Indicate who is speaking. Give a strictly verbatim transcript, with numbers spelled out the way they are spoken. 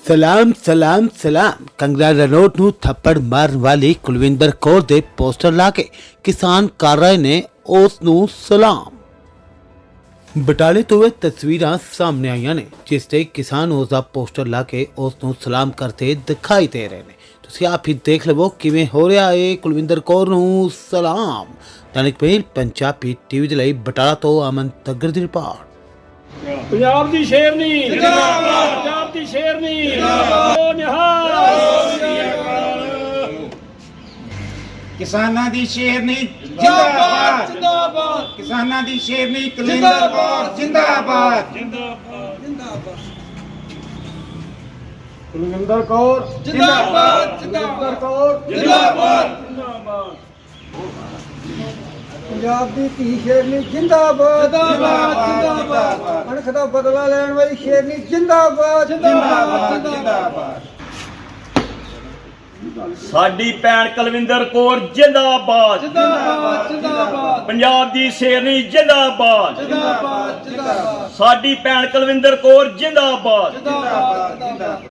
Speaker 1: ਸਲਾਮ ਸਲਾਮ ਸਲਾਮ ਕੰਗਨਾ ਰਣੌਤ ਨੂੰ ਥੱਪੜ ਮਾਰਨ ਵਾਲੀ ਕੁਲਵਿੰਦਰ ਕੌਰ ਦੇ ਪੋਸਟਰ ਲਾ ਕੇ ਕਿਸਾਨ ਕਰ ਰਹੇ ਨੇ ਉਸ ਨੂੰ ਸਲਾਮ। ਬਟਾਲੇ ਤੋਂ ਇਹ ਤਸਵੀਰਾਂ ਸਾਹਮਣੇ ਆਈਆਂ ਨੇ ਜਿਸ ਤੇ ਕਿਸਾਨ ਉਸ ਦਾ ਪੋਸਟਰ ਲਾ ਕੇ ਉਸ ਨੂੰ ਸਲਾਮ ਕਰਦੇ ਦਿਖਾਈ ਦੇ ਰਹੇ ਨੇ। ਤੁਸੀਂ ਆਪ ਹੀ ਦੇਖ ਲਵੋ ਕਿਵੇਂ ਹੋ ਰਿਹਾ ਹੈ ਕੁਲਵਿੰਦਰ ਕੌਰ ਨੂੰ ਸਲਾਮ। ਦੈਨਿਕ ਪਹਿਲ ਪੰਜਾਬੀ ਟੀਵੀ ਦੇ ਲਈ ਬਟਾਲਾ ਤੋਂ ਅਮਨ ਤੱਗਰ ਦੀ ਰਿਪੋਰਟ।
Speaker 2: ਪੰਜਾਬ ਦੀ ਸ਼ੇਰਨੀ ਜਿੰਦਾਬਾਦ, ਪੰਜਾਬ ਦੀ ਸ਼ੇਰਨੀ ਜਿੰਦਾਬਾਦ, ਨਿਹਾਲ
Speaker 3: ਕਿਸਾਨਾਂ ਦੀ ਸ਼ੇਰਨੀ ਜਿੰਦਾਬਾਦ ਜਿੰਦਾਬਾਦ, ਕਿਸਾਨਾਂ ਦੀ ਸ਼ੇਰਨੀ ਕੁਲਵਿੰਦਰ ਕੌਰ ਜਿੰਦਾਬਾਦ ਜਿੰਦਾਬਾਦ ਜਿੰਦਾਬਾਦ,
Speaker 2: ਕੁਲਵਿੰਦਰ ਕੌਰ
Speaker 3: ਜਿੰਦਾਬਾਦ ਜਿੰਦਾਬਾਦ ਕੌਰ
Speaker 2: ਜਿੰਦਾਬਾਦ ਜਿੰਦਾਬਾਦ,
Speaker 4: ਪੰਜਾਬ ਦੀ ਧੀ ਸ਼ੇਰਨੀ ਜਿੰਦਾਬਾਦ
Speaker 3: ਜਿੰਦਾਬਾਦ ਜਿੰਦਾਬਾਦ,
Speaker 4: ਅਣਖ ਦਾ ਬਦਲਾ ਲੈਣ ਵਾਲੀ ਸ਼ੇਰਨੀ ਜਿੰਦਾਬਾਦ
Speaker 3: ਜਿੰਦਾਬਾਦ ਜਿੰਦਾਬਾਦ,
Speaker 2: ਸਾਡੀ ਭੈਣ ਕੁਲਵਿੰਦਰ ਕੌਰ ਜਿੰਦਾਬਾਦ
Speaker 4: ਜਿੰਦਾਬਾਦ ਜਿੰਦਾਬਾਦ
Speaker 2: ਪੰਜਾਬ ਦੀ ਸ਼ੇਰਨੀ ਜਿੰਦਾਬਾਦ
Speaker 4: ਜਿੰਦਾਬਾਦ ਜਿੰਦਾਬਾਦ
Speaker 2: ਸਾਡੀ ਭੈਣ ਕੁਲਵਿੰਦਰ ਕੌਰ ਜਿੰਦਾਬਾਦ
Speaker 4: ਜਿੰਦਾਬਾਦ